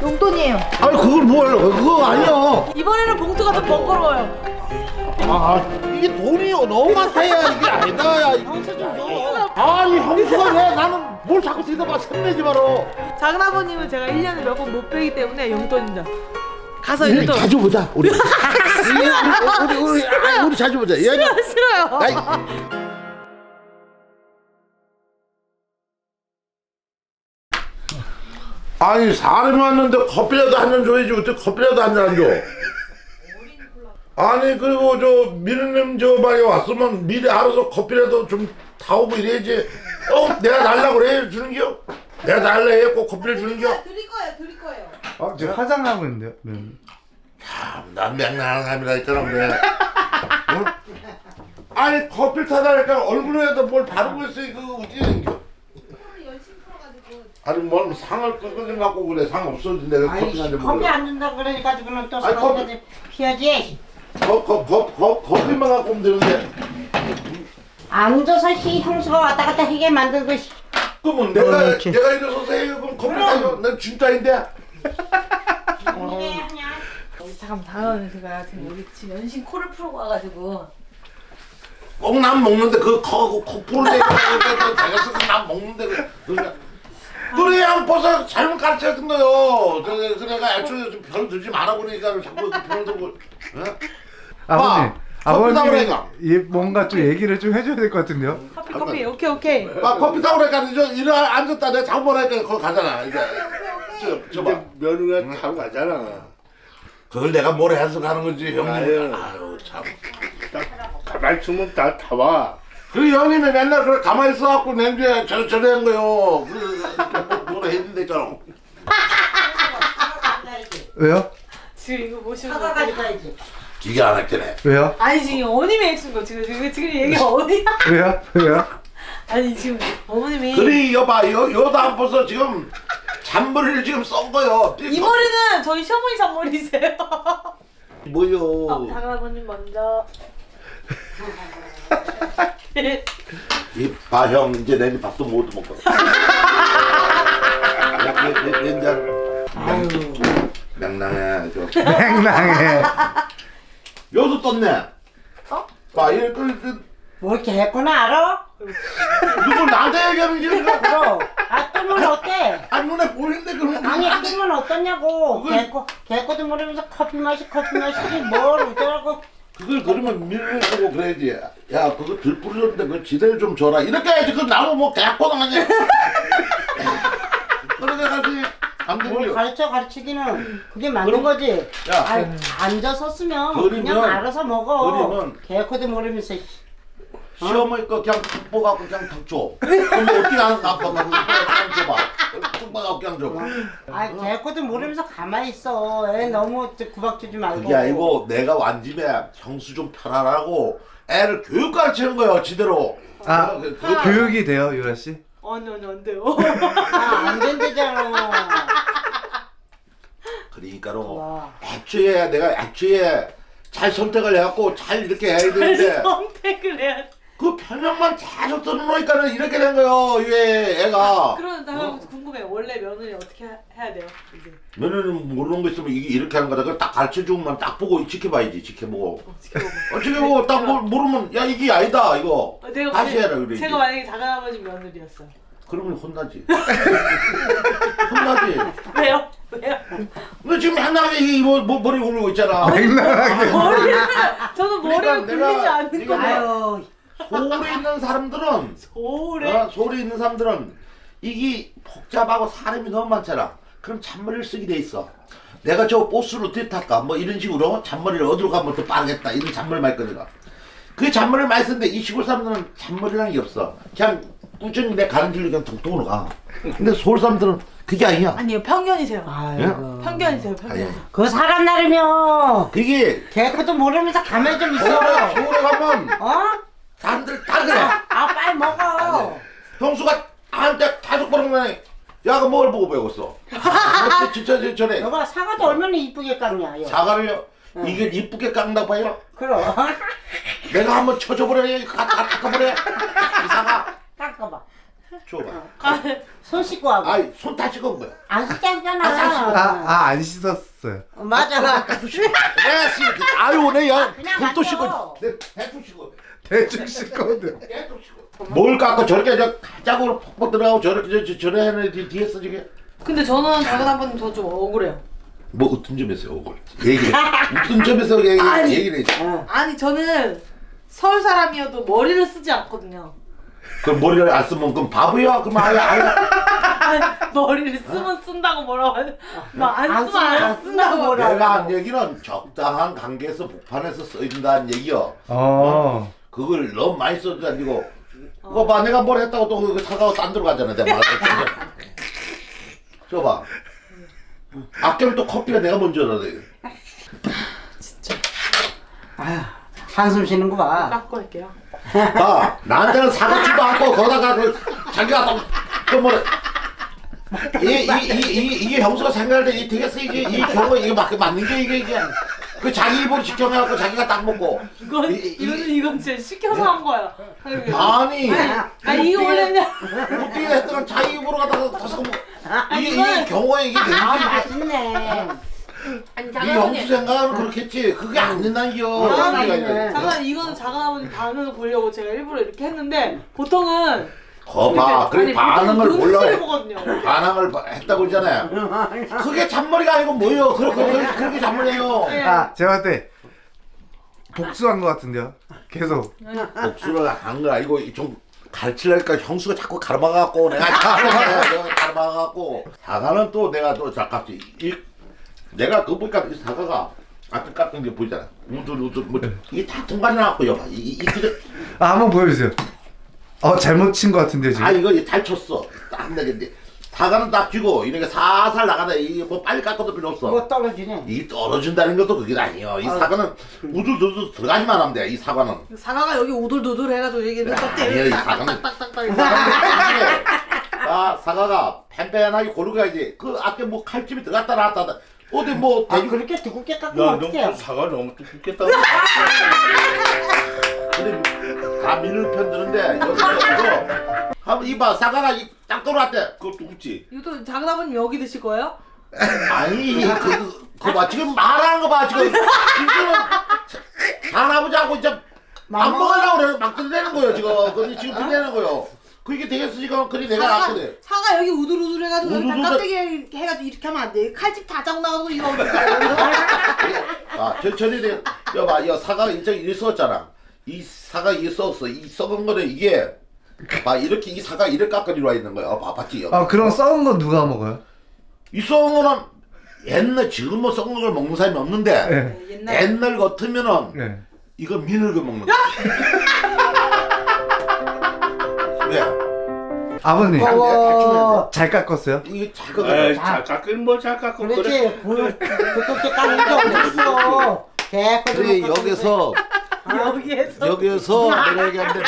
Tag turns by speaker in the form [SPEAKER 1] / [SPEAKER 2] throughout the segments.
[SPEAKER 1] 용돈이에요.
[SPEAKER 2] 아니 그걸 뭘 그거 아니야.
[SPEAKER 1] 이번에는 봉투가 더 번거로워요.
[SPEAKER 2] 아 이게 돈이요 너무 많다야 이게 아니다 야.
[SPEAKER 1] 형수 좀 줘.
[SPEAKER 2] 아니 형수가 왜 나는 뭘 자꾸 뒤져봐 샘내지 마라.
[SPEAKER 1] 작은 아버님은 제가 1년에 몇 번 못 뵈기 때문에 용돈입니다. 가서
[SPEAKER 2] 우리
[SPEAKER 1] 용돈.
[SPEAKER 2] 자주 보자 우리. 우리 자주 보자.
[SPEAKER 1] 싫어요.
[SPEAKER 2] 아이. 아니 사람이 왔는데 커피라도 한 잔 줘야지 어떻게 커피라도 한 잔 안 줘? 아니 그리고 저 미르님 저 말이 왔으면 미리 알아서 커피라도 좀 타오고 이래야지. 내가 달라고 그래 주는겨? 내가 달라 해 꼭 커피를 주는겨?
[SPEAKER 1] 드릴 거예요.
[SPEAKER 3] 아, 지금 화장하고 있는데요.
[SPEAKER 2] 난 맹랑한 사람이라 했잖아 그래. 응? 아니 커피 타다니까 얼굴에다 뭘 바르고 있어 이거 어떻게 생겨? 아니 뭘 상을 끄끄지 갖고 그래 상 없어도 내가 커피 한잔
[SPEAKER 4] 커피
[SPEAKER 2] 먹어.
[SPEAKER 4] 안 준다 그러니까지고는 또
[SPEAKER 2] 아니,
[SPEAKER 4] 사람들이 피하지.
[SPEAKER 2] 커피만 갖고 오면 되는데.
[SPEAKER 4] 앉아서 형수가 왔다 갔다 하게 만든 것이.
[SPEAKER 2] 그러면 내가 이래서 해요 그럼 커피 타요. 난 진짜인데.
[SPEAKER 1] 잠깐만 다음에 제가 지금 여기 지금 연신 코를 풀고 와가지고
[SPEAKER 2] 꼭 난 먹는데 코프를 내가 내가 쓰고 난 먹는데 그래 양 벌써 잘못 가르쳤던 거요. 그래가 애초에 좀 별 들지 마라 그러니까 자꾸 별 들고.
[SPEAKER 3] 아버님,
[SPEAKER 2] 커피 타오라
[SPEAKER 3] 아버님이
[SPEAKER 2] 이가.
[SPEAKER 3] 뭔가 좀 얘기를 좀 해줘야 될 것 같은데요.
[SPEAKER 1] 커피 오케이.
[SPEAKER 2] 커피 타오라 니까 일어 앉았다 내가 잘못 하니까 거기 가잖아 이제. 저봐.
[SPEAKER 5] 며느리가 타고 가잖아.
[SPEAKER 2] 그걸 내가 뭘 해서 가는 거지 형님.
[SPEAKER 5] 아유.
[SPEAKER 2] 아유 참.
[SPEAKER 5] 가만히 있으면 다 타와.
[SPEAKER 2] 그 형님이 맨날 그래 가만히 있어갖고 냄새 저래 한 거요. 뭐라 했는데 있잖아.
[SPEAKER 3] 왜요?
[SPEAKER 1] 지금 이거 모시고
[SPEAKER 4] 사과 가져가야지.
[SPEAKER 2] 기계 안 할때네.
[SPEAKER 3] 왜요?
[SPEAKER 1] 아니 지금 어머님이 해준 거 지금 얘기 어디?
[SPEAKER 3] 왜요?
[SPEAKER 1] 아니 지금 어머님이
[SPEAKER 2] 그래 여봐 여도 안 벗어 지금 잔머리를 지금 썬 거요.
[SPEAKER 1] 이 머리는 저희 시어머니 잔머리세요.
[SPEAKER 2] 뭐요?
[SPEAKER 1] 작은 아버님 먼저.
[SPEAKER 2] 이봐 형 이제 내일 밥도 못 먹고. 아유 맹랑해 저.
[SPEAKER 3] 맹랑해.
[SPEAKER 2] 여도 떴네.
[SPEAKER 1] 어?
[SPEAKER 2] 봐 얘
[SPEAKER 4] 뭐 이렇게 했구나 알아?
[SPEAKER 2] 누구 나한테 얘기하는 게 아니라.
[SPEAKER 4] 그럼. 아 뜨면 어때?
[SPEAKER 2] 아 눈에 보이는데 그런 거.
[SPEAKER 4] 아니 뜨면 어떠냐고. 개코도 모르면서 커피 마시지 뭘 어쩌라고.
[SPEAKER 2] 그걸 그러면 밀고 그래야지. 야 그거 들 뿌렸는데 그 지대를 좀 줘라 이렇게 해야지. 그 나무 뭐 개코도 아니야. 그러게 가지 안
[SPEAKER 4] 뭘
[SPEAKER 2] 들려.
[SPEAKER 4] 가르치기는 그게 맞는 거지.
[SPEAKER 2] 야.
[SPEAKER 4] 아, 앉아서 쓰면
[SPEAKER 2] 그러면-
[SPEAKER 4] 그냥 알아서 먹어.
[SPEAKER 2] 그러면-
[SPEAKER 4] 개코도 모르면서.
[SPEAKER 2] 시어머니 거 그냥 탁 뽑아갖고 그냥 탁 줘. 그럼 어떻게 하는 아빠가 그냥 줘봐. 뚝 박아갖고 그냥 줘.
[SPEAKER 4] 아 개코도 모르면서 가만히 있어. 애 너무 구박 주지 말고.
[SPEAKER 2] 그게 아니고 내가 완 집에 형수 좀 편하라고 애를 교육 가르치는 거예요 지대로.
[SPEAKER 3] 아, 교육이 돼요, 유라 씨?
[SPEAKER 1] 아니 안 돼요.
[SPEAKER 4] 안 된대잖아.
[SPEAKER 2] 그러니까로
[SPEAKER 4] 와.
[SPEAKER 2] 애초에 내가 잘 선택을 해갖고 잘 이렇게 해야 되는데
[SPEAKER 1] 선택을 해야 돼.
[SPEAKER 2] 그 편향만 계속 들어놓으니까는 이렇게 된 거예요 이게 애가.
[SPEAKER 1] 그럼 나 궁금해. 원래 며느리 어떻게 해야 돼요? 이제
[SPEAKER 2] 며느리는 모르는 거 있으면 이게 이렇게 하는 거다. 그걸 딱 가르쳐주면 딱 보고 지켜봐야지. 지켜보고.
[SPEAKER 1] 지켜보고.
[SPEAKER 2] 지켜보고 딱 모르면 야 이게 아니다 이거.
[SPEAKER 1] 내가
[SPEAKER 2] 다시 해라 그래.
[SPEAKER 1] 제가 만약에 작은 아버지 며느리였어요.
[SPEAKER 2] 그러면 혼나지. 혼나지.
[SPEAKER 1] 왜요?
[SPEAKER 2] 너 지금 한나게 이 머리 굴리고 있잖아.
[SPEAKER 3] 맹랑하게.
[SPEAKER 1] 머리를 저는
[SPEAKER 2] 그러니까
[SPEAKER 1] 머리를 굴리지 않는
[SPEAKER 2] 이거
[SPEAKER 1] 거예요.
[SPEAKER 4] 아유.
[SPEAKER 2] 소리 있는 사람들은
[SPEAKER 1] 오래.
[SPEAKER 2] 소리 있는 사람들은 이게 복잡하고 사람이 너무 많잖아. 그럼 잔머리를 쓰게 돼 있어. 내가 저 보스를 어떻게 탈까? 뭐 이런 식으로 잔머리를 어디로 가면 더 빠르겠다. 이런 잔머리 많이 거니까. 그 잔머리를 많이 쓰는데 이 시골 사람들은 잔머리라는 게 없어. 그냥 꾸준히 내 가는 길로 그냥 통통으로 가. 근데 서울 사람들은 그게 아니야.
[SPEAKER 1] 아니요 편견이세요.
[SPEAKER 4] 아이고.
[SPEAKER 1] 편견이세요 편견.
[SPEAKER 2] 아니야.
[SPEAKER 4] 그 사람 나름이요.
[SPEAKER 2] 그게
[SPEAKER 4] 개코도 모르면서 가만히 좀 있어.
[SPEAKER 2] 서울에 가면
[SPEAKER 4] 어?
[SPEAKER 2] 사람들 다 그래.
[SPEAKER 4] 아 빨리 먹어.
[SPEAKER 2] 형수가 한테 다섯 번을 그러네. 야, 그 뭘 보고 배웠어? 진짜 전에
[SPEAKER 4] 여봐 사과도 얼마나 이쁘게 깎냐. 여.
[SPEAKER 2] 사과를요. 이게 이쁘게 깎는다고 봐요.
[SPEAKER 4] 그럼.
[SPEAKER 2] 내가 한번 쳐줘버려. 깎아버려. 이 사과.
[SPEAKER 4] 깎아봐.
[SPEAKER 2] 줘봐.
[SPEAKER 4] 손 씻고 하고.
[SPEAKER 2] 아이 손 다 씻은 거야.
[SPEAKER 4] 안 씻잖아.
[SPEAKER 3] 안 씻었어요.
[SPEAKER 4] 맞아.
[SPEAKER 2] 내가 씻. 아유 내가
[SPEAKER 4] 그냥
[SPEAKER 2] 손도
[SPEAKER 4] 놔둬.
[SPEAKER 2] 씻고. 내 대충 씻고.
[SPEAKER 3] 대충 씻거든.
[SPEAKER 2] 대충 씻고. 뭘 깎고 저렇게 저 가짝으로 퍽퍽 들어가고 저렇게 저래 하는 뒤에서 저게.
[SPEAKER 1] 근데 저는 작은 아버님 저 좀 억울해요.
[SPEAKER 2] 뭐 어떤 점에서 억울? 얘기해. 어떤 점에서 얘기를 해.
[SPEAKER 1] 아니 저는 서울 사람이어도 머리를 쓰지 않거든요.
[SPEAKER 2] 그럼 머리를 안 쓰면 그럼 바보야? 그럼 아예
[SPEAKER 1] 아니, 머리를 쓰면 쓴다고 뭐라고 하지? 안 쓰면 안 쓴다고 뭐라고.
[SPEAKER 2] 내가 한 얘기는 적당한 관계에서 복판에서 써준다는 얘기요. 그걸 너무 많이 써도 안 되고. 그거 봐, 내가 뭘 했다고 또 그거 사가고 딴 데로 가잖아, 내 말을. 줘봐. 아껴면 또 커피가 내가 먼저 넣어야 돼.
[SPEAKER 4] 아휴, 한숨 쉬는 거 봐.
[SPEAKER 1] 깎고 할게요.
[SPEAKER 2] 봐, 나한테는 사과치도 않고 거기다가 그 자기가 또 뭐래. 이게 형수가 생각할 때 되겠어 이게 이 경우 이게 맞는 게 이게 그 자기 입으로 시켜갖고 자기가 딱 먹고
[SPEAKER 1] 이건 진짜 시켜서 한 거야.
[SPEAKER 2] 아니
[SPEAKER 1] 이거 원래 그냥
[SPEAKER 2] 어떻게 했더니 자기 입으로 갖다가 다섯 먹 이게
[SPEAKER 1] 이거는-
[SPEAKER 2] 경우에 이게 되는
[SPEAKER 4] 아,
[SPEAKER 2] 게
[SPEAKER 4] 맛있네.
[SPEAKER 1] 아니
[SPEAKER 2] 이
[SPEAKER 1] 작은
[SPEAKER 2] 형수
[SPEAKER 1] 아버님.
[SPEAKER 2] 생각은 그렇겠지 그게 안 된다니요.
[SPEAKER 1] 잠깐 이거는 작은 아버님 반응을 보려고 제가 일부러 이렇게 했는데 보통은
[SPEAKER 2] 거봐 그래
[SPEAKER 1] 아니,
[SPEAKER 2] 반응을
[SPEAKER 1] 보통
[SPEAKER 2] 몰라
[SPEAKER 1] 눈치를 보거든요.
[SPEAKER 2] 반응을 했다고 그러잖아요. 그게 잔머리가 아니고 뭐예요. 그렇게 잔머리예요.
[SPEAKER 3] 제가 봤을 때 복수한 것 같은데요. 계속.
[SPEAKER 2] 복수를 한 거 아니고 좀 가르치려니까 형수가 자꾸 가르마갖고 내가 가르마갖고 사과는 또 내가 또 잠깐 내가 그거 보니까 이 사과가 앞에 깎은 게 보이잖아. 우들 뭐 이게 다 통관이 나왔고요. 이
[SPEAKER 3] 한번 보여주세요. 잘못 친 것 같은데요 지금.
[SPEAKER 2] 이거 잘 쳤어. 딱 내겠는데 사과는 딱 쥐고 이렇게 살살 나가다 이게 뭐 빨리 깎아도 필요 없어.
[SPEAKER 4] 뭐 떨어지네.
[SPEAKER 2] 이 떨어진다는 것도 그게 아니에요. 이 사과는 우들우들 들어가기만 하면 돼. 이 사과는.
[SPEAKER 1] 사과가 여기 우둘두둘 해가지고 이게
[SPEAKER 2] 아니요, 이 사과는 사과가 팬팬하게 고르게 가야지. 그 앞에 뭐 칼집이 들어갔다 나왔다. 어디 뭐
[SPEAKER 4] 그렇게 두껍게 깎으면 어떡해요?
[SPEAKER 5] 야너 사과 너무 두껍겠다고.
[SPEAKER 2] 근데 다 민을 편드는데 여기서 이거 한번 이봐 사과가 딱 들어왔대. 그거 두껍지.
[SPEAKER 1] 이것도 작은 아버님 여기 드실 거예요?
[SPEAKER 2] 아니 그거 봐 지금 말하는 거 봐 지금 이거는 할아버지하고 이제 밥 먹으려고 그래 막 끝내는 거예요 지금. 그게 지금 끝내는 거예요. 그게 되겠어 지금. 그래 내가 아거든.
[SPEAKER 1] 사과 여기 우둘우둘 해가지고 여기 다
[SPEAKER 2] 우둘우둘.
[SPEAKER 1] 깍대기 해가지고 이렇게 하면 안 돼. 칼집 다 짜고 나가고 이거
[SPEAKER 2] 천천히 돼. 여봐 이 사과가 이렇게 썩었잖아. 이 사과 이게 썩었어. 이 썩은 거는 이게 봐 이렇게 이 사과 이렇게 깎아리로 와 있는 거야. 봤지?
[SPEAKER 3] 그럼 썩은 건 누가 먹어요?
[SPEAKER 2] 이 썩은 거는 옛날 지금 뭐 썩은 걸 먹는 사람이 없는데
[SPEAKER 3] 네.
[SPEAKER 2] 옛날 같으면은
[SPEAKER 3] 네.
[SPEAKER 2] 이거 미늘고 먹는 거야. 왜?
[SPEAKER 3] 아버님
[SPEAKER 2] 대충
[SPEAKER 3] 잘 깎았어요?
[SPEAKER 2] 이게 작은
[SPEAKER 5] 에이
[SPEAKER 2] 거.
[SPEAKER 5] 잘 깎은 뭐잘 깎고 그래.
[SPEAKER 4] 그렇지. 두껍게 깎는 게 어딨어.
[SPEAKER 2] 그래 여기서 내가 얘기하는데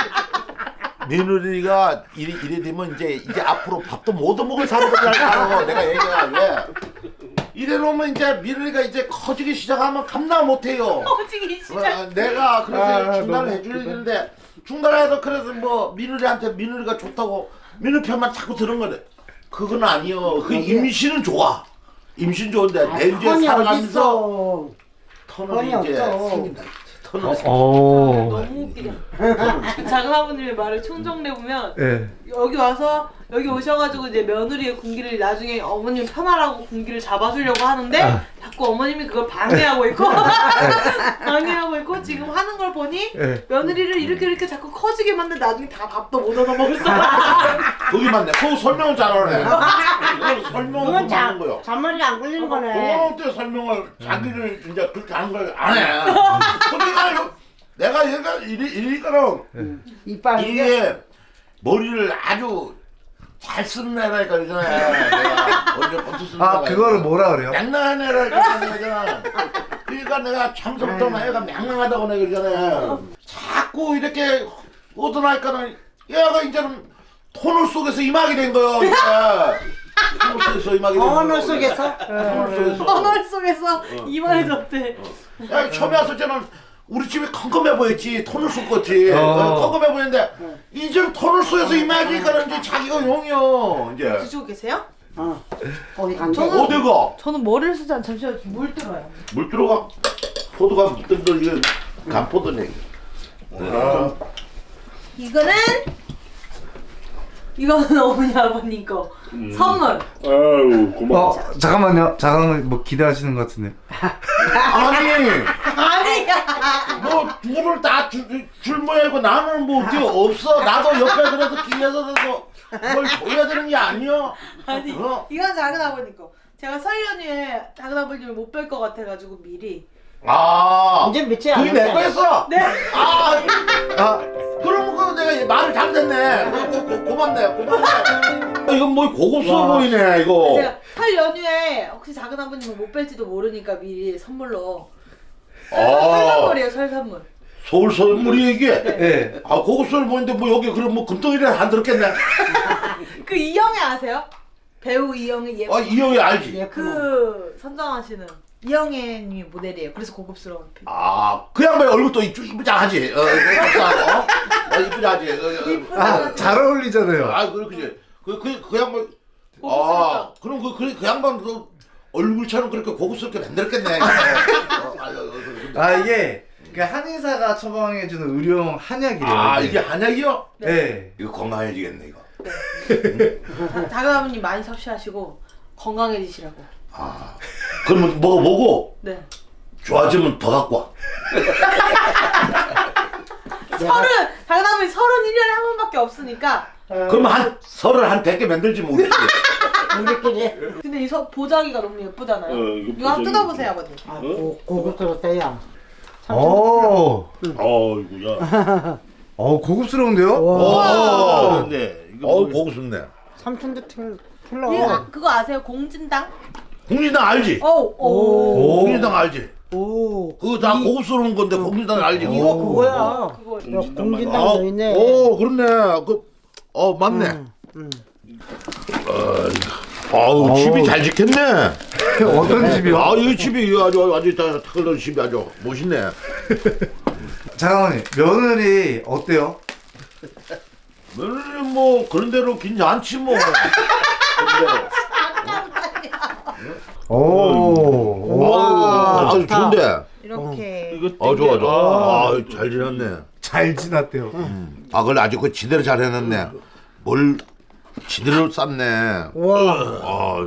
[SPEAKER 2] 며느리가 이래 되면 이제 앞으로 밥도 못 먹을 사람들이라고 내가 얘기해. 왜? 이래 놓으면 이제 며느리가 이제 커지기 시작하면 감당 못해요.
[SPEAKER 1] 커지기 시작.
[SPEAKER 2] 내가 그래서 중단을
[SPEAKER 3] 너무
[SPEAKER 2] 해줘야
[SPEAKER 3] 웃기다.
[SPEAKER 2] 되는데 중단해서 그래서 뭐 며느리한테 며느리가 좋다고 며느리 편만 자꾸 들은 거래. 그건 아니요. 그 임신은 좋아. 임신 좋은데 내주에 살아가면서
[SPEAKER 4] 턴이
[SPEAKER 2] 턴은 이제
[SPEAKER 4] 없어.
[SPEAKER 2] 생긴다. 턴은
[SPEAKER 1] 너무 웃기다. 작은 아버님의 말을 총정내 보면
[SPEAKER 3] 네.
[SPEAKER 1] 여기 와서 여기 오셔가지고 이제 며느리의 군기를 나중에 어머님 편하라고 군기를 잡아주려고 하는데 자꾸 어머님이 그걸 방해하고 있고 방해하고 있고 지금 하는 걸 보니
[SPEAKER 3] 네.
[SPEAKER 1] 며느리를 이렇게 자꾸 커지게 만든 나중에 다 밥도 못 얻어 먹을 사람.
[SPEAKER 2] 거기 맞네. 그거 설명을 잘하네. 그걸 설명을
[SPEAKER 4] 그건
[SPEAKER 2] 못 하는 거요.
[SPEAKER 4] 잔머리가 안 걸리는 거네.
[SPEAKER 2] 그때 설명을 자기를 이제 그렇게 하는 걸 안 해. 그러니까 내가 얘가 이러니까는
[SPEAKER 4] 이빨
[SPEAKER 2] 이게 머리를 아주 잘 쓰는 애라니까 그러잖아. 내가 머리를 뻗어 쓰는 애가
[SPEAKER 3] 그거를 뭐라 그래요?
[SPEAKER 2] 맹랑한 애라니까 그러잖아. 그러니까 내가 참석도 애가 맹랑하다고 내가 그러잖아. 자꾸 이렇게 얻어나니까는 얘가 이제는 토널 속에서 임하게 된 거야. 이제. 토널 속에서 임하게 된 거야.
[SPEAKER 4] 언어 속에서?
[SPEAKER 2] 토널 속에서.
[SPEAKER 1] 터널 속에서 이만해졌대.
[SPEAKER 2] 야, 처음에 왔을 때는 우리 집이 컴컴해 보였지. 톤을 쏟겠지. 컴컴해 보였는데 이제 톤을 쏘여서 이마지니까는 이제 자기가 용이요. 이제
[SPEAKER 1] 드시고 계세요?
[SPEAKER 4] 거기 간대.
[SPEAKER 1] 저는-
[SPEAKER 2] 어디가?
[SPEAKER 1] 저는 머리를 쓰지 않고 잠시만 물 들어요.
[SPEAKER 2] 물 들어가. 포도가 묻던들 이게 간포도네.
[SPEAKER 1] 이거는 어머니 아버님 거 선물.
[SPEAKER 5] 아유 고마워.
[SPEAKER 3] 잠깐만요. 잠깐만 뭐 기대하시는 것 같은데.
[SPEAKER 2] 아니
[SPEAKER 1] 아니야.
[SPEAKER 2] 뭐 둘을 다 줄 모양이고 나는 뭐 어디 없어. 나도 옆에 그래도 끼어서라도 뭘 줘야 되는 게 아니야.
[SPEAKER 1] 아니 이건 작은 아버님 거. 제가 설 연휴에 작은 아버님을 못 뵐 것 같아가지고 미리.
[SPEAKER 2] 아
[SPEAKER 4] 이제 며칠
[SPEAKER 2] 그게
[SPEAKER 4] 안
[SPEAKER 2] 내
[SPEAKER 4] 됐다.
[SPEAKER 2] 거였어?
[SPEAKER 1] 네.
[SPEAKER 2] 아
[SPEAKER 3] 아,
[SPEAKER 2] 그럼 그 내가 말을 잘못했네. 고맙네. 이건 뭐 고급스러워 보이네 이거.
[SPEAKER 1] 제가 설 연휴에 혹시 작은 아버님을 못 뵐지도 모르니까 미리 선물로. 설
[SPEAKER 2] 아
[SPEAKER 1] 선물이에요, 설 선물.
[SPEAKER 2] 서울 선물이 이게.
[SPEAKER 3] 예.
[SPEAKER 2] 아 고급스러워 보이는데 뭐 여기 그럼 뭐 금덩이를 안 들었겠네.
[SPEAKER 1] 그 이영애 아세요? 배우 이영애 예쁜.
[SPEAKER 2] 아 이 형이 알지.
[SPEAKER 4] 예쁘네.
[SPEAKER 1] 그 선정하시는 이영애님이 모델이에요. 그래서 고급스러운 피부.
[SPEAKER 2] 아 그 양반의 얼굴도 이쁘장하지. 이쁘장하지.
[SPEAKER 3] 아, 잘 어울리잖아요.
[SPEAKER 2] 아 그렇지. 그 양반. 아
[SPEAKER 1] 고급스럽다.
[SPEAKER 2] 그럼 그 양반 그 얼굴처럼 그렇게 고급스럽게 만들었겠네.
[SPEAKER 3] 아, 이게 그 한의사가 처방해주는 의료용 한약이래요.
[SPEAKER 2] 아 이게 한약이요?
[SPEAKER 3] 네.
[SPEAKER 2] 이거 건강해지겠네 이거.
[SPEAKER 1] 작은 아버님 많이 섭취하시고 건강해지시라고.
[SPEAKER 2] 아 그러면 먹어보고
[SPEAKER 1] 네.
[SPEAKER 2] 좋아지면 더 갖고 와.
[SPEAKER 1] 작은 아버님 31년에 한 번밖에 없으니까.
[SPEAKER 2] 그러면 한 설을 한 100개 만들지 뭐.
[SPEAKER 4] 우리끼리.
[SPEAKER 1] 근데 이 보자기가 너무 예쁘잖아요.
[SPEAKER 5] 이거
[SPEAKER 1] 이거 한번
[SPEAKER 5] 보자기.
[SPEAKER 1] 뜯어보세요 아버님.
[SPEAKER 4] 아, 고급스럽다, 야.
[SPEAKER 3] 오.
[SPEAKER 5] 어이구야.
[SPEAKER 3] 고급스러운데요?
[SPEAKER 2] 오.
[SPEAKER 5] 근데 이거
[SPEAKER 2] 고급스럽네.
[SPEAKER 4] 삼촌도
[SPEAKER 1] 이거
[SPEAKER 4] 틀러.
[SPEAKER 1] 그거 아세요? 공진당?
[SPEAKER 2] 공진당 알지?
[SPEAKER 1] 오.
[SPEAKER 2] 공진당 알지?
[SPEAKER 4] 오.
[SPEAKER 2] 그거 다 고급스러운 건데 공진당 알지?
[SPEAKER 4] 이거 그거야.
[SPEAKER 1] 그거.
[SPEAKER 4] 공진당
[SPEAKER 2] 아,
[SPEAKER 4] 넣있네.
[SPEAKER 2] 오 그렇네. 맞네. 아우 집이 잘 지켰네.
[SPEAKER 3] 어떤 집이요?
[SPEAKER 2] 아 이 집이 아주 탁월한 집이 아주 멋있네.
[SPEAKER 3] 잠깐만요. 며느리 어때요?
[SPEAKER 2] 며느리 뭐 그런 대로 괜찮지 뭐. 그런 대로.
[SPEAKER 3] 오.
[SPEAKER 2] 아주
[SPEAKER 4] 좋다.
[SPEAKER 2] 좋은데.
[SPEAKER 1] 이렇게.
[SPEAKER 5] 이거
[SPEAKER 2] 좋아 좋아. 잘 지냈네.
[SPEAKER 3] 잘 지났대요.
[SPEAKER 2] 아 그래 아주 그 지대로 잘 해놨네. 뭘 지대로 쌌네.
[SPEAKER 4] 와.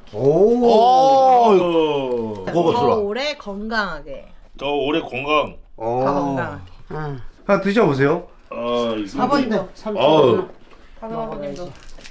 [SPEAKER 3] 오.
[SPEAKER 1] 더
[SPEAKER 2] 고급스러워.
[SPEAKER 1] 오래 건강하게.
[SPEAKER 5] 더 오래 건강.
[SPEAKER 1] 더 건강하게.
[SPEAKER 4] 응.
[SPEAKER 3] 하나 드셔보세요.
[SPEAKER 5] 아 이거
[SPEAKER 1] 아버님도.
[SPEAKER 4] 삼촌.
[SPEAKER 1] 작은 아버님도.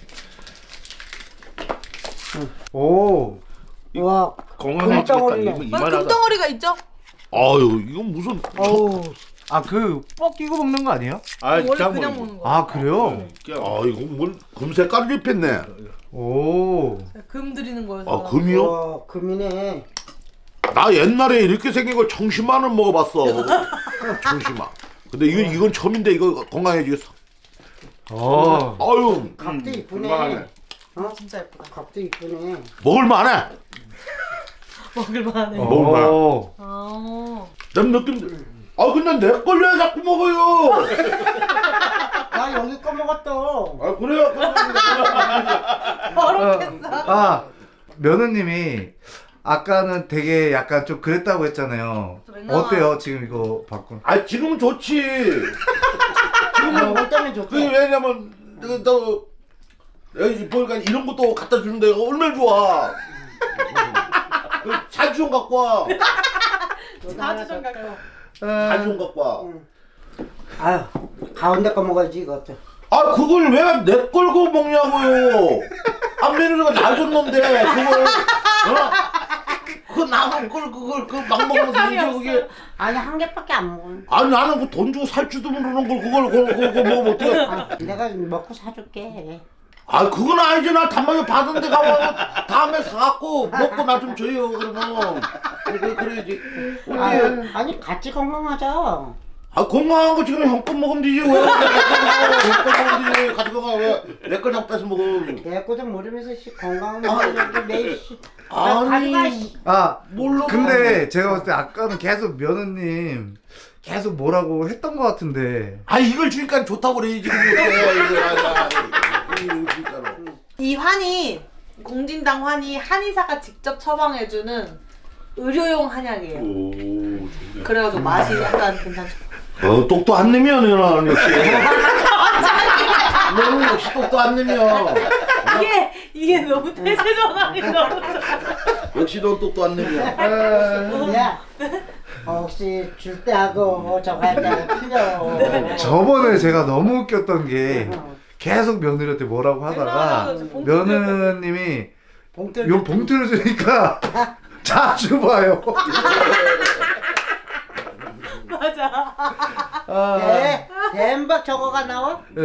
[SPEAKER 3] 오.
[SPEAKER 4] 와.
[SPEAKER 5] 건강해지겠다.
[SPEAKER 4] 금덩어리네.
[SPEAKER 5] 이거
[SPEAKER 1] 아,
[SPEAKER 5] 이만하다.
[SPEAKER 1] 금덩어리가 있죠?
[SPEAKER 2] 아유 이건 무슨.
[SPEAKER 4] 어우.
[SPEAKER 3] 아, 그 뻑 끼고 먹는 거 아니에요?
[SPEAKER 5] 아
[SPEAKER 1] 원래
[SPEAKER 5] 진짜
[SPEAKER 1] 그냥
[SPEAKER 5] 뭐.
[SPEAKER 1] 먹는 거.
[SPEAKER 3] 아, 그래요?
[SPEAKER 2] 아 이거 뭘 금색깔을 입혔네.
[SPEAKER 3] 오.
[SPEAKER 1] 금 드리는 거여서.
[SPEAKER 2] 아 금이요?
[SPEAKER 4] 와, 금이네.
[SPEAKER 2] 나 옛날에 이렇게 생긴 거 청심환은 먹어봤어. 청심환. 근데 이건 처음인데 이거 건강해지겠어.
[SPEAKER 3] 어.
[SPEAKER 2] 아유
[SPEAKER 4] 갑도 이쁘네.
[SPEAKER 2] 건강하네.
[SPEAKER 1] 진짜 예쁘다.
[SPEAKER 4] 갑도 이쁘네.
[SPEAKER 2] 먹을만해.
[SPEAKER 1] 먹을만해.
[SPEAKER 2] 먹을만해.
[SPEAKER 3] 오.
[SPEAKER 1] 아.
[SPEAKER 2] 난 느낌. 아 근데 내 걸로 왜 자꾸 먹어요?
[SPEAKER 4] 나 여기 거 먹었어.
[SPEAKER 2] 아 그래요?
[SPEAKER 3] 아, 며느님이 아까는 되게 약간 좀 그랬다고 했잖아요.
[SPEAKER 1] 저 맹랑아.
[SPEAKER 3] 어때요? 지금 이거 바꾼.
[SPEAKER 2] 아 지금은 좋지.
[SPEAKER 4] 먹을 때는
[SPEAKER 2] 그
[SPEAKER 4] 좋대.
[SPEAKER 2] 왜냐면 너 보니까 이런 것도 갖다 주는데 얼마나 좋아. 자주 좀 갖고 와.
[SPEAKER 1] 자주 좀 갖고.
[SPEAKER 2] 자주 좀 갖고 와.
[SPEAKER 4] 아유, 가운데 거 먹어야지 이것도.
[SPEAKER 2] 아 그걸 왜 내 걸고 먹냐고요. 안 며느리가 나 줬는데 그걸 그 남은 걸 그걸 막 먹으면 되는데 그게.
[SPEAKER 4] 아니 한 개밖에 안 먹어.
[SPEAKER 2] 아니 나는 그 돈 주고 살 줄도 모르는 걸 그걸 먹으면 어떡해.
[SPEAKER 4] 아, 내가 먹고 사줄게.
[SPEAKER 2] 아 그건 아니지. 나 단박에 받은 데 가면 다음에 사갖고 먹고 나 좀 줘요 그러면. 그래야지.
[SPEAKER 4] 아, 아니 같이 건강하자.
[SPEAKER 2] 아 건강한 거 지금 형껏 먹으면 되지 왜? 형껏 먹으면 되지 가져가 왜내 걸 자꾸 뺏어 먹어?
[SPEAKER 4] 개꼬도 모르면서 씨 건강한 거 매일 씨.
[SPEAKER 2] 아니.
[SPEAKER 4] 가져가 씨.
[SPEAKER 3] 아
[SPEAKER 2] 뭘로?
[SPEAKER 3] 근데 제가 봤을 때 아까는 계속 며느님 계속 뭐라고 했던 것 같은데.
[SPEAKER 2] 아 이걸 주니까 좋다고 그래 지금 이거 진짜로.
[SPEAKER 1] 이 환이 공진당 환이 한의사가 직접 처방해주는 의료용 한약이에요.
[SPEAKER 5] 오, 좋네.
[SPEAKER 1] 그래가지고 맛이 약간 괜찮죠.
[SPEAKER 2] 똑도 안 내면 너는 역시. 너는 역시 똑도 안 내면.
[SPEAKER 1] 이게 너무 태세 전환이 너무.
[SPEAKER 2] 역시 넌 똑도 안 내면.
[SPEAKER 4] 야. 혹시 줄 때 하고 저거 할 때 틀려.
[SPEAKER 3] 저번에 제가 너무 웃겼던 게 계속 며느리한테 뭐라고 하다가
[SPEAKER 1] 맨날 봉투
[SPEAKER 3] 며느님이
[SPEAKER 4] 봉투를
[SPEAKER 3] 요 봉투를 주니까 자주 봐요.
[SPEAKER 1] 맞아.
[SPEAKER 4] 댐박 저거가 나와?
[SPEAKER 3] 네.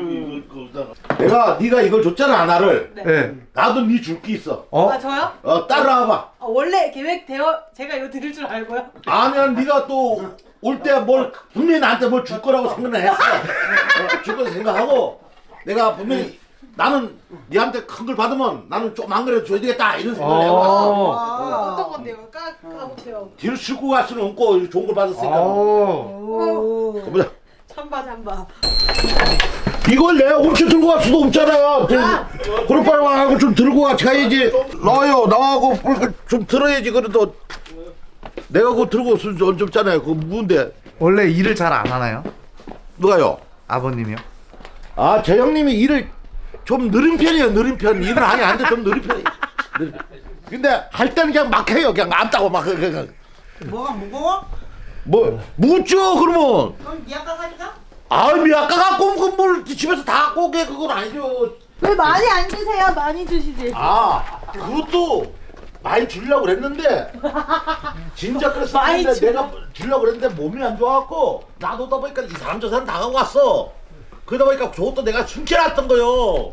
[SPEAKER 2] 내가 네가 이걸 줬잖아 나를.
[SPEAKER 3] 네.
[SPEAKER 2] 나도 네 줄 게 있어.
[SPEAKER 1] 아 저요?
[SPEAKER 2] 따라와봐.
[SPEAKER 1] 원래 계획되어 제가 이거 드릴 줄 알고요.
[SPEAKER 2] 아니야 네가 또 올 때 뭘 분명히 나한테 뭘 줄 거라고 생각을 했어. 줄 거라고 생각하고 내가 분명히 나는 네한테 큰 걸 받으면 나는 조그만 거라도 줘야 되겠다 이런 생각을 해봤어.
[SPEAKER 1] 어떤 건데요? 까보세요.
[SPEAKER 2] 뒤로 싣고 갈 수는 없고 좋은 걸 받았으니까.
[SPEAKER 3] 오.
[SPEAKER 2] 보자.
[SPEAKER 1] 참봐.
[SPEAKER 2] 이걸 내가 훔쳐 들고 갈 수도 없잖아. 그럼 빨리 와가지고 좀 들고 같이 가야지. 나와요. 나하고 좀 들어야지. 그래도 내가 그거 들고 없으면 좀 어렵잖아요. 그거 무거운데.
[SPEAKER 3] 원래 일을 잘 안 하나요?
[SPEAKER 2] 누가요?
[SPEAKER 3] 아버님이요?
[SPEAKER 2] 아, 저 형님이 일을 좀 느린 편이에요. 느린 편. 일은 아니 안 돼. 좀 느린 편이에요. 근데 할 때는 그냥 막 해요. 그냥 안다고 막 그냥.
[SPEAKER 4] 뭐가 무거워?
[SPEAKER 2] 뭐 무겁죠. 그러면.
[SPEAKER 4] 그럼 미약가 가져가?
[SPEAKER 2] 아, 미아까 갖고 뭘 집에서 다 갖고 오게 그건 아니죠.
[SPEAKER 1] 왜 많이 안 주세요? 많이 주시지.
[SPEAKER 2] 아, 그것도 많이 주려고 그랬는데 진짜
[SPEAKER 1] 많이
[SPEAKER 2] 그랬었는데
[SPEAKER 1] 주-
[SPEAKER 2] 내가 주려고 그랬는데 몸이 안 좋아갖고 놔두다 보니까 이 사람 저 사람 다 갖고 왔어. 그러다 보니까 저것도 내가 숨겨놨던 거요.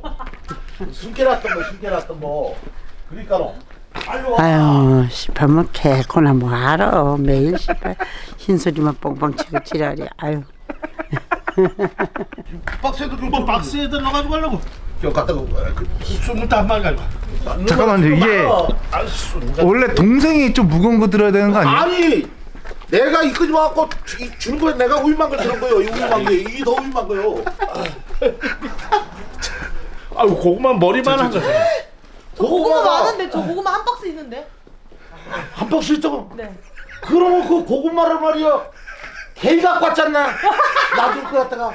[SPEAKER 2] 숨겨놨던 거. 그러니까 빨리 와.
[SPEAKER 4] 아유, 씨발만 개코나 뭐 알아. 매일 씨발 흰소리만 뻥뻥 치고 지랄이야. 아유.
[SPEAKER 2] 박스에도 좀
[SPEAKER 5] 뭐 박스에 넣어가지고 가려고.
[SPEAKER 2] 좀 갖다가
[SPEAKER 5] 술부터 한 마리 가지고.
[SPEAKER 3] 잠깐만요, 이게
[SPEAKER 5] 아, 술.
[SPEAKER 3] 원래 동생이 좀 무거운 거 들어야 되는 거 아니에요?
[SPEAKER 2] 아니 내가 이끌지 와갖고 주는 거에 내가 우유만 걸 들은 거요. 이 우유만 거 이게 더 우유만 거요.
[SPEAKER 5] 아유 고구마 머리만 한 거지.
[SPEAKER 1] 저 고구마 많은데 저 고구마 한 박스 있는데.
[SPEAKER 2] 한 박스 있다고?
[SPEAKER 1] 네.
[SPEAKER 2] 그러면 그 고구마를 말이야 개이 갖고 왔잖아. 놔둘 거 갖다가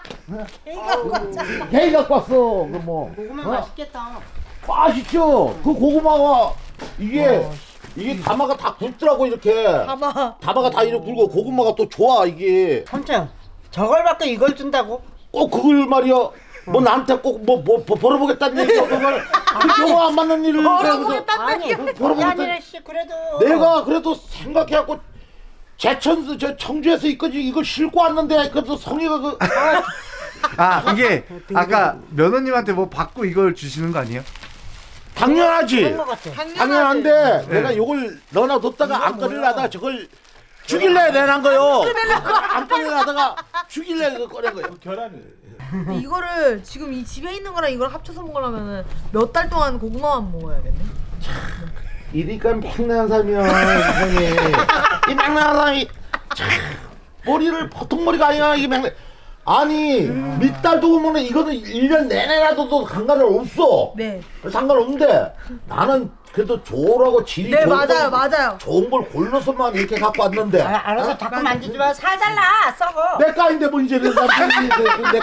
[SPEAKER 2] 개이 갖고 왔어. 그 뭐
[SPEAKER 4] 고구마 맛있겠다.
[SPEAKER 2] 맛있죠. 그 고구마가 이게 다마가 다 굵더라고 이렇게. 다마가 다 이렇게 굵고 고구마가 또 좋아 이게.
[SPEAKER 4] 삼촌, 저걸 받고 이걸 준다고?
[SPEAKER 2] 꼭 그걸 말이야. 뭐 나한테 꼭 뭐 벌어보겠다는 얘기야. 그걸 그거 안 맞는 일을
[SPEAKER 4] 아니, 그게 아니라 씨 그래도
[SPEAKER 2] 내가 그래도 생각해갖고 제천서 저 청주에서 이걸 싣고 왔는데 그래도 성의가 그
[SPEAKER 3] 아 이게 아까 며느님한테 뭐 받고 이걸 주시는 거 아니에요?
[SPEAKER 2] 당연하지.
[SPEAKER 4] 그런 거 같아.
[SPEAKER 2] 당연한데 내가 이걸 넣어놔뒀다가 안 꺼내려다가 저걸 죽일래 내난 거요. 안 꺼내려다가 죽일래 그거 꺼낸 거요.
[SPEAKER 5] 계란이.
[SPEAKER 1] 근데 이거를 지금 이 집에 있는 거랑 이걸 합쳐서 먹으려면은 몇 달 동안 고구마만 먹어야겠네.
[SPEAKER 2] 이니까 맹랑한 사람이야 세상에. 이 맹랑한 사람이 참 머리를 보통 머리가 아니야 이게 맹랑. 아니 밑달 두고 먹는 이거는 1년 내내라도 상관은 없어.
[SPEAKER 1] 네.
[SPEAKER 2] 상관없는데 나는 그래도 좋으라고 질이
[SPEAKER 1] 네,
[SPEAKER 2] 좋은
[SPEAKER 1] 맞아요,
[SPEAKER 2] 거,
[SPEAKER 1] 맞아요.
[SPEAKER 2] 좋은 걸 골라서만 이렇게 갖고 왔는데
[SPEAKER 4] 알아서 자꾸 만지지 마. 사잘라 썩어.
[SPEAKER 2] 내 까인데 뭐 이제 내 까인데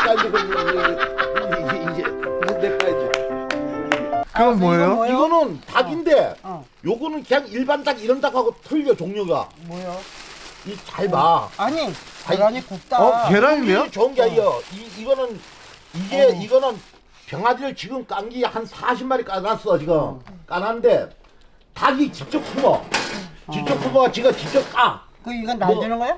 [SPEAKER 2] 이제 내 까인데
[SPEAKER 3] 그건 뭐예요?
[SPEAKER 2] 이거는 닭인데
[SPEAKER 4] 어.
[SPEAKER 2] 요거는 그냥 일반 닭 이런 닭하고 틀려 종류가.
[SPEAKER 4] 뭐야?
[SPEAKER 2] 이 잘 봐.
[SPEAKER 4] 아니, 계란이 굽다.
[SPEAKER 3] 어 계란인데요?
[SPEAKER 2] 이게 좋은 게 아니야. 이거는 이거는 병아리를 지금 깐 게 한 40마리 까놨어 지금. 까놨는데 닭이 직접 품어. 직접 품어가 지가 직접 까.
[SPEAKER 4] 그 이건 날
[SPEAKER 2] 뭐-
[SPEAKER 4] 주는 거야?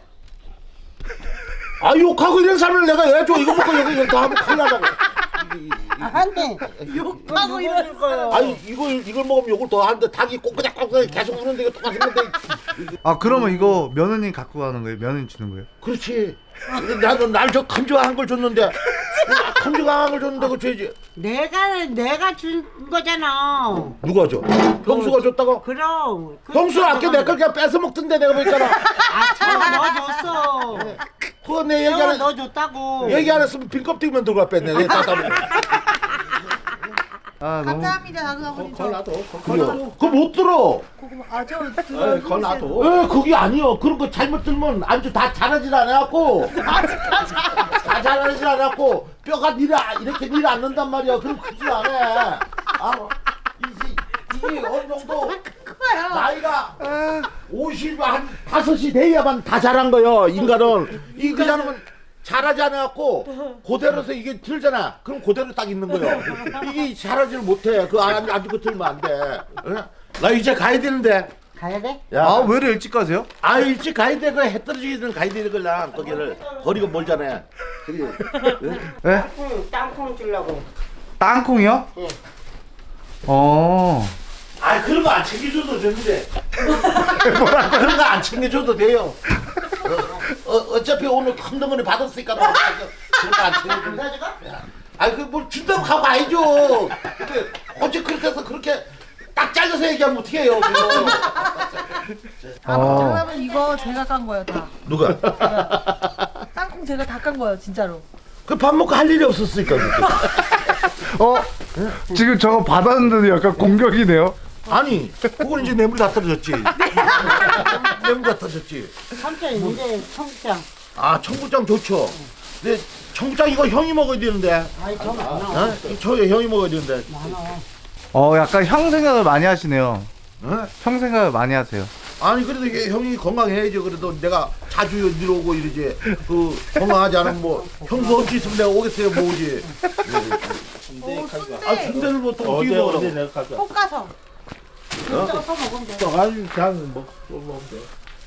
[SPEAKER 2] 아 욕하고 이런 사람을 내가 왜 줘? 이거 먹고 이거 더 하면 큰일 나다고.
[SPEAKER 4] 아니,
[SPEAKER 1] 욕하고
[SPEAKER 4] 이럴 거야.
[SPEAKER 2] 아니 이걸 먹으면 욕을 더 하는데 닭이 꼬끄닥꼬끄닥 계속 우는데 이거 똑같은 건데
[SPEAKER 3] 아 그러면 이거 며느님 갖고 가는 거예요? 며느님 주는 거예요?
[SPEAKER 2] 그렇지. 나도 날 저 건조한 걸 줬는데 건조한 걸 줬는데 그거 줘야지.
[SPEAKER 4] 내가 준 거잖아.
[SPEAKER 2] 누가 줘? 형수가 줬다고?
[SPEAKER 4] 그럼.
[SPEAKER 2] 형수 아까 내 걸 그냥 뺏어 먹던데 내가 보니까.
[SPEAKER 4] 아차 너 줬어.
[SPEAKER 2] 그거 내 얘기 안
[SPEAKER 4] 너 줬다고.
[SPEAKER 2] 얘기 안 했으면 빈껍데기만 들고 와 뺐네. 얘 따따블.
[SPEAKER 3] 아 너무.
[SPEAKER 1] 감사합니다 장사분님.
[SPEAKER 5] 걸 놔둬.
[SPEAKER 2] 그거 못 들어.
[SPEAKER 1] 아저
[SPEAKER 5] 걸 놔둬.
[SPEAKER 2] 에 그게 아니요. 그런 거 잘못 들면 안주 다 자라질 않아갖고. 다 자라질 않아갖고 뼈가 이렇게 일 않는단 말이야. 그럼 크지 않아. 이게 어느 정도 나이가 50 한 5이 돼야만 다 자란 거요. 인간은 이거 자라면 자라지 않아갖고 그대로서 이게 들잖아. 그럼 그대로 딱 있는 거요. 이게 자라지를 못해. 그 안주 그 들면 안 돼. 나 이제 가야 되는데.
[SPEAKER 4] 가야 돼?
[SPEAKER 2] 야.
[SPEAKER 3] 아 왜 이렇게 일찍 가세요?
[SPEAKER 2] 아 일찍 가야 돼. 그 해 떨어지기 전에 가야 되거든. 거기를 거리가 멀잖아. 그게
[SPEAKER 3] 예?
[SPEAKER 4] 땅콩 주려고.
[SPEAKER 3] 땅콩이요?
[SPEAKER 4] 예.
[SPEAKER 2] 아 그런 거 안 챙겨줘도 되는데. 그런 거 안 챙겨줘도 돼요. 어차피 오늘 큰 덩어리 받았으니까 그런 거 안 챙겨줘도 돼. 아 그 뭐 준다고 가고 가야죠. 근데 어째 그렇게 해서 그렇게 딱 잘라서 얘기하면 어떻게 해요?
[SPEAKER 1] 장사분 이거 제가 깐 거예요 다.
[SPEAKER 2] 누가?
[SPEAKER 1] 땅콩 제가 다 깐 거예요 진짜로.
[SPEAKER 2] 그 밥 먹고 할 일이 없었으니까.
[SPEAKER 3] 지금 저거 받았는데도 약간 공격이네요.
[SPEAKER 2] 아니 그건 이제 뇌물 다 떨어졌지. 뇌물 다 떨어졌지.
[SPEAKER 4] 삼촌 이제 청장.
[SPEAKER 2] 아 청국장 좋죠. 근데 청국장 이거 형이 먹어야 되는데.
[SPEAKER 4] 아이 더 많아.
[SPEAKER 2] 저 형이 먹어야 되는데.
[SPEAKER 3] 약간 형 생각을 많이 하시네요.
[SPEAKER 2] 어?
[SPEAKER 3] 형 생각을 많이 하세요.
[SPEAKER 2] 아니 그래도 이게 형이 건강해야죠. 그래도 내가 자주 이러고 이러지. 그 건강하지 않으면 뭐 형수 없이 있으면 내가 오겠어요. 모으지. 아 순대를 보통 어떻게 먹어?
[SPEAKER 5] 내가 가져.
[SPEAKER 1] 볶아서.
[SPEAKER 5] 아니 그냥 먹으면 돼.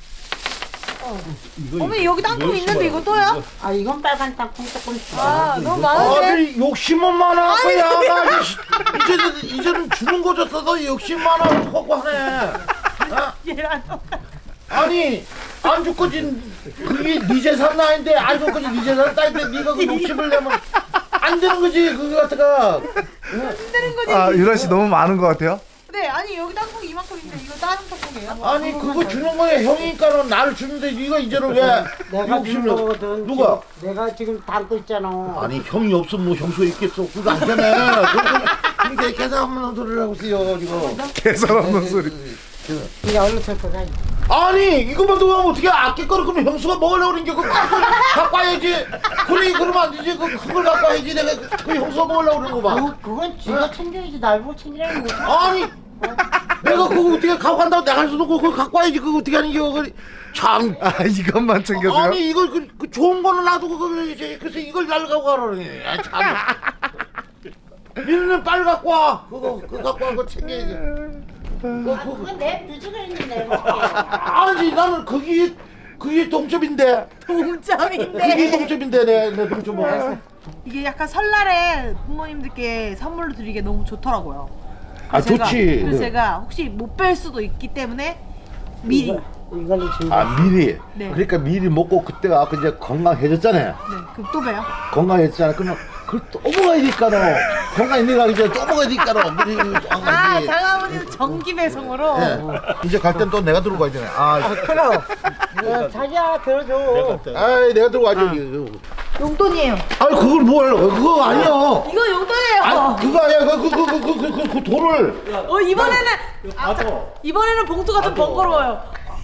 [SPEAKER 1] 어머니 여기 땅콩 있는데 이거 또요?
[SPEAKER 4] 아 이건 빨간 땅콩 조금 줘.
[SPEAKER 1] 아 너무 많은데.
[SPEAKER 2] 아니 욕심은 많아. 야 이제는 주는 거 줬어도 욕심 많아. 하고 하네.
[SPEAKER 1] 얘랑
[SPEAKER 2] 아니 안 줄 거지. 그게 네 재산 아닌데 안 줄 거지. 네 재산 따인데 네가 그 욕심을 내면 안 되는 거지. 그거 갖다가.
[SPEAKER 1] 되는 거지.
[SPEAKER 3] 아 유라 씨 너무 많은 것 같아요.
[SPEAKER 1] 네 아니 여기 땅콩 이만큼 있는데 이거 다른 땅콩이에요?
[SPEAKER 2] 아니 그거 주는 거에 형이니까는 나를 주는데 네가 이제는 왜
[SPEAKER 4] 내가 준
[SPEAKER 2] 욕심을
[SPEAKER 4] 거거든.
[SPEAKER 2] 누가?
[SPEAKER 4] 내가 지금 담고 있잖아.
[SPEAKER 2] 아니 형이 없으면 뭐 형수가 있겠어. 그거 안 되네. 그게 계산 없는 소리를 하고 있어요 지금.
[SPEAKER 3] 계산 없는 소리.
[SPEAKER 4] 이제 얼른 될 거다.
[SPEAKER 2] 아니 이거만 두고 하면 어떻게 아낄 거를 그러면 형수가 먹으려고 그러는 게 그거 갖고 와야지. 그래 그러면 안 되지. 그 큰 걸 갖고 와야지. 내가 그 형수가 먹으려고 그러는 거 봐.
[SPEAKER 4] 그건 지가 챙겨야지 날 보고 챙기라는 거지.
[SPEAKER 2] 아니 내가 그거 어떻게 갖고 간다고 내가 할 수도 없고 그거 갖고 와야지. 그거 어떻게 하는 겨. 참.
[SPEAKER 3] 아 이것만 챙겨서요?
[SPEAKER 2] 아니 이걸 그 좋은 거는 놔두고 그래서 이걸 날가고 가라니. 아, 참. 니는 빨리 갖고 와. 그거 갖고 와. 그거 챙겨야지.
[SPEAKER 4] 그건 내 뮤직을 있는데.
[SPEAKER 2] 아니 나는 그게 동점인데.
[SPEAKER 1] 동점인데.
[SPEAKER 2] 그게 동점인데 내 동점은.
[SPEAKER 1] 이게 약간 설날에 부모님들께 선물로 드리기 너무 좋더라고요.
[SPEAKER 2] 아
[SPEAKER 1] 제가,
[SPEAKER 2] 좋지.
[SPEAKER 1] 그래서 제가 혹시 못 뺄 수도 있기 때문에 미리.
[SPEAKER 4] 이걸로 준비.
[SPEAKER 2] 아 미리.
[SPEAKER 1] 네.
[SPEAKER 2] 그러니까 미리 먹고 그때가 이제 건강해졌잖아요.
[SPEAKER 1] 네, 그럼 또 봬요.
[SPEAKER 2] 건강해졌잖아. 그러면 그걸 또 먹어야 되니까 너. 건강해지니까 이제 또 먹어야 되니까 너.
[SPEAKER 1] 아, 장아버님 정기 배송으로.
[SPEAKER 2] 네. 이제 갈 땐 또 내가 들고 가야 되네.
[SPEAKER 4] 그럼. 자기야 들어줘.
[SPEAKER 2] 아이 내가 들고 가야지.
[SPEAKER 1] 용돈이에요.
[SPEAKER 2] 아니 그걸 뭘? 그거 아니야.
[SPEAKER 1] 이거 용돈이에요.
[SPEAKER 2] 아니 그거 아니야. 그 돈을.
[SPEAKER 1] 이번에는 이번에는 봉투가 좀 번거로워요.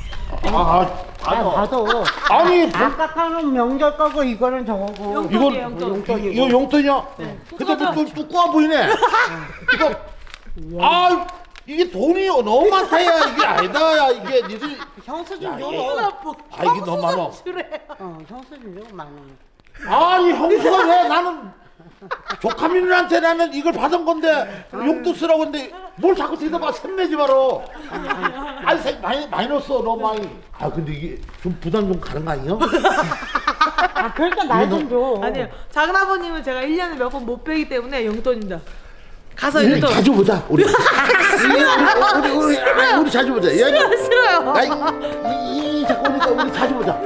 [SPEAKER 4] 받아.
[SPEAKER 2] 아니
[SPEAKER 4] 아까는 명절 거고 이거는 저거고.
[SPEAKER 1] 용돈이에요,
[SPEAKER 2] 이건
[SPEAKER 1] 용돈.
[SPEAKER 2] 이거 용돈이야? 근데 또 두꺼워 보이네. 이거 이게 돈이 너무 많다야. 이게 아니다. 야 이게 니들.
[SPEAKER 4] 형수 좀 줘.
[SPEAKER 2] 이게 너무 많아.
[SPEAKER 4] 형수 좀 줘. 만 원.
[SPEAKER 2] 아니 형수가 왜 나는 조카민들한테 나는 이걸 받은 건데 용돈 쓰라고 했는데 뭘 자꾸 대답아. 샘내지 마라. 아니 많이 넣었어. 너무 많이. 근데 이게 좀 부담 좀 가는 거 아니야?
[SPEAKER 4] 그러니까 날 좀 줘.
[SPEAKER 1] 아니요. 작은 아버님은 제가 1년에 몇 번 못 빼기 때문에 용돈입니다. 가서 이제 또
[SPEAKER 2] 자주 보자 우리. 우리 자주 보자.
[SPEAKER 1] 싫어요.
[SPEAKER 2] 아이 이 자꾸 오니까 우리 자주 보자.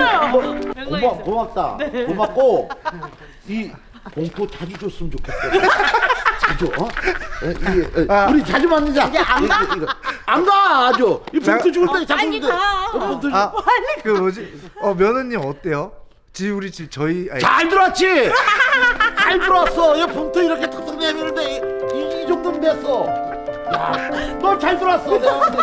[SPEAKER 2] 고맙다. 고맙고 이 봉투 자주 줬으면 좋겠어. 자주 우리 자주 만나자. 이제 안 가? 안 가. 아주 이 봉투 죽을 때 자꾸 오는데. 봉투
[SPEAKER 3] 그 뭐지? 며느님 어때요? 우리 집 저희
[SPEAKER 2] 잘 들어왔지? 잘 들어왔어. 이 봉투 이렇게 턱턱 내미는데 이 정도면 됐어. 야, 너 잘 들어왔어.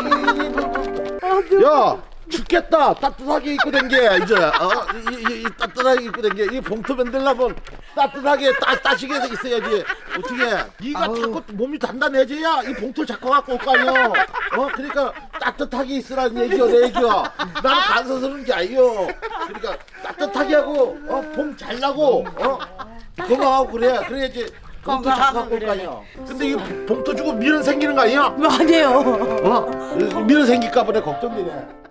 [SPEAKER 2] 야, 죽겠다. 따뜻하게 입고 댕겨 이제. 이 따뜻하게 입고 댕겨. 이 봉투 만들려면 따뜻하게 따시게 있어야지. 어떻게? 네가 자꾸 몸이 단단해져야 이 봉투 잡고 갖고 올 거 아니야. 그러니까 따뜻하게 있으라는 얘기야, 내 얘기야. 나는 간서스러운 게 아니요. 그러니까 따뜻하게 하고, 봄 잘 나고, 건강하고 그래야지. 봉투 잡고 갖고 올 거 아니야. 근데 이 봉투 주고 미련 생기는 거 아니야?
[SPEAKER 1] 아니에요.
[SPEAKER 2] 미련 생길까 보네 걱정되네.